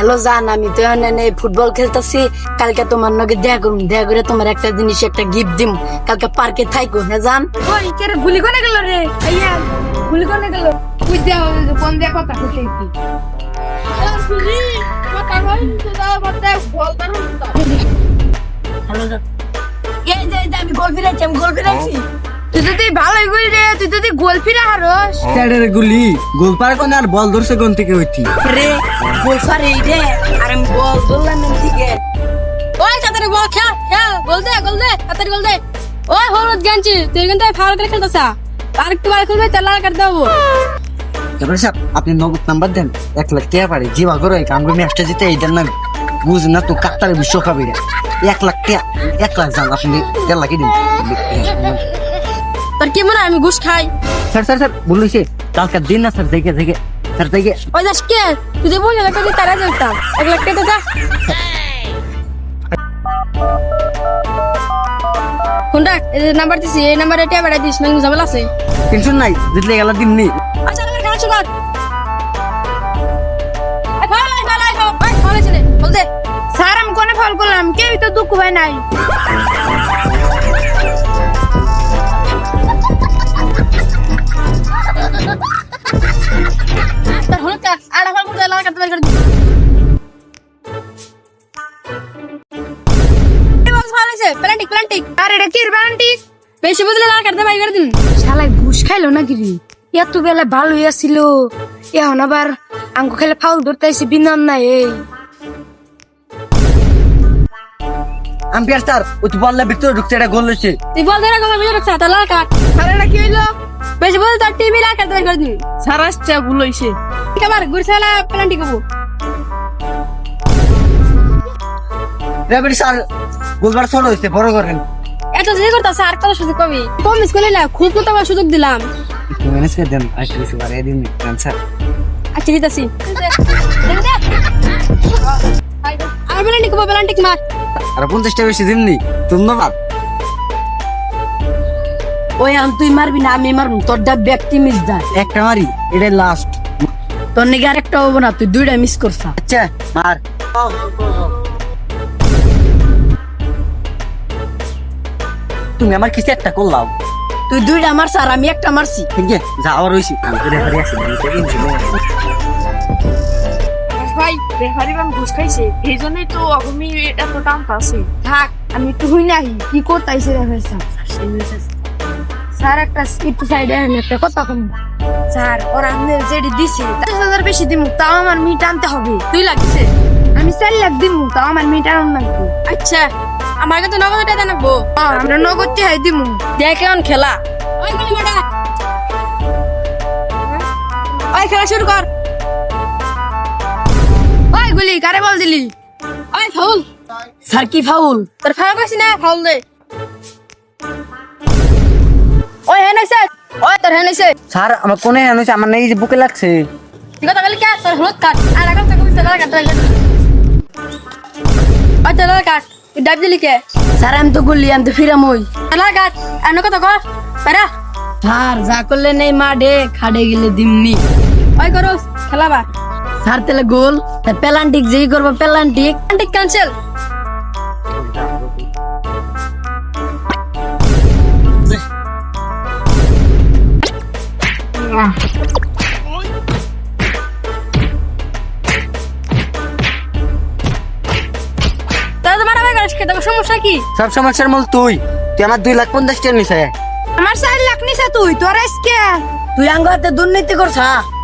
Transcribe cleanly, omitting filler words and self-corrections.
Hello জান, আমি তো এখানে ফুটবল খেলতেছি। কালকে তোমার নগে দেখা করুন, দেখা করে তোমার একটা জিনিস একটা গিফট দিম। কালকে পার্কে থাইকো, হ্যাঁ জান। ওই কেরে গুলি কোনে গেল রে? আইয়া গুলি কোনে গেল? বুঝ দেয়া কোন দেয়া কথা কইতে কি? হ্যালো জান, এই যে আমি গোল ফিরাইছি। তুই যদি ভালোই গুলি রে, তুই যদি গোল ফিরা হারস ক্যাডের গুলি গোল পার কোন আর বল ধরছে কোন থেকে হইতি রে গোল ফারে রে, আর আমি বল ধরলাম না দিকে। ওই তাড়াতাড়ি বল খেল খেল, গোল দে তাড়াতাড়ি গোল দে। ওই হলুদ গেঞ্জি তুই কিন্তু ফাউল করে খেলতেছ। আর একটু বার খেলবে চালা কাট দেবো। তারপরে সাহেব আপনি নগদ নাম্বার দেন 1 লাখ টাকা পারে জিবা করে কামড়ে ম্যাচটা জিতে এই দেন না বুঝ না তো কাটার বিশ্বকাপে 1 লাখ টাকা 1 লাখ জান আপনি 1.5 লাখ দিন। তোর কি মনে হয় আমি ঘুষ খাই? স্যার বলছি কালকে দিন না স্যার দেখে স্যার দেখে ওই যাস কে তুই যে বললি একটা তারা যেতাম 1 লাখ টাকা যা। কোনটা এই নাম্বার দিছি, এই নাম্বারে টাকা পাঠাই দিস, না ঝামেলা আছে। টেনশন নাই জিতলে গেল দিন নি। আচ্ছা আমি খেলা শুরু কর। আই ফল ছেলে বল দে। স্যার আমি কোনে ফল করলাম? কেউ তো দুঃখ ভাই নাই। তার হলো কা আড়া ফল করে লাগা কাটতে বের করে দি। এই বল ফল আছে প্লান্টিক। আরে এটা কি প্লান্টিক? বেশি বুঝলে লাগা কাটতে বের করে দিন। শালাই ঘুষ খাইলো নাকি রে? এত বেলা ভালো হইয়াছিল, এখন আবার আঙ্কু খেলে ফাউল ধরতে আইছে বিনান নাই। এই আম্পায়ার স্যার ওই তো বললে ভিতরে ঢুকছে এটা গোল হইছে। তুই বল ধরে কথা বুঝে রাখছ তাহলে কাট। আরে এটা কি হইলো? বেশি বল তার টিভি লাগা কাটতে বের করে দিন। স্যার আসছে ভুল হইছে। ঠিক আবার ঘুরছালা প্লান্টিক কবু। রেবের স্যার গোলবার ছোট হইছে বড় করেন। এত যে করতা স্যার কত সুযোগ কবি কম স্কুলে না খুব তো আবার সুযোগ দিলাম। একটু ম্যানেজ করে দেন আজকে কিছু বাড়িয়ে দিন স্যার। আচ্ছা দিতাছি। আর প্লান্টিক মার। আর 50টা বেশি দিননি ধন্যবাদ। ওই আম তুই মারবি না, আমি মারবো। তোর দা ব্যক্তি মিস দা একটা মারি এটা লাস্ট। তোর নাকি আরেকটা হবো না, তুই 2টা মিস করছা। আচ্ছা মার। তুমি আমার কিছু একটা করলাম। তুই 2টা মারছা আর আমি একটা মারছি। ঠিক আছে যাওয়ার হইছি আমি তো রেফারি আছি ভাই রেফারি বান ঘুষ খাইছে, এই জন্যই তো আমি এত টান পাচ্ছি। থাক আমি একটু হুই নাহি কি করতেছে রেফারি স্যার। একটা একটু সাইডে একটা কথা কম স্যার, ওরা আমি যেটি দিছে 10,000 বেশি দিমু, তাও আমার মিট আনতে হবে। তুই লাগছে আমি 4 লাখ দিমু, তাও আমার মিট আনতে লাগবে। আচ্ছা আমার কাছে নগদ টাকা নাকবো। আমরা নগদ টাকা দিমু। দেখ কেমন খেলা। ওই গুলি মারা, ওই খেলা শুরু কর। ওই গুলি কারে বল দিলি? ওই ফাউল। স্যার কি ফাউল? তোর ফাউল কইছি না, ফাউল দে। ওই হেনাইছে, ওই তোর হেনাইছে। স্যার আমার কোনে হইছে আমার নাই যে বুকে লাগছে। ঠিক আছে তাহলে কি তোর হলুদ কাট আর এখন তো কইছ লাগা কাট। ওই তোর লাগা কাট তুই ডাব দিলি কে? স্যার আমি তো গুলি, আমি তো ফিরাম। ওই লাগা কাট এনে কত কর পারা। স্যার যা করলে নেই মাঠে, খাড়ে গেলে দিমনি। ওই করস খেলাবা। স্যার তাহলে গোল পেলান্টিক যেই করবো পেলান্টিক ক্যান্সেল। সমস্যা কি? সব সমস্যার মূল তুই আমার 2,50,000 টাকা নিছে। আমার 4 লাখ নিছে তুই তোর আজকে। তুই আঙ্গাতে দুর্নীতি করছা।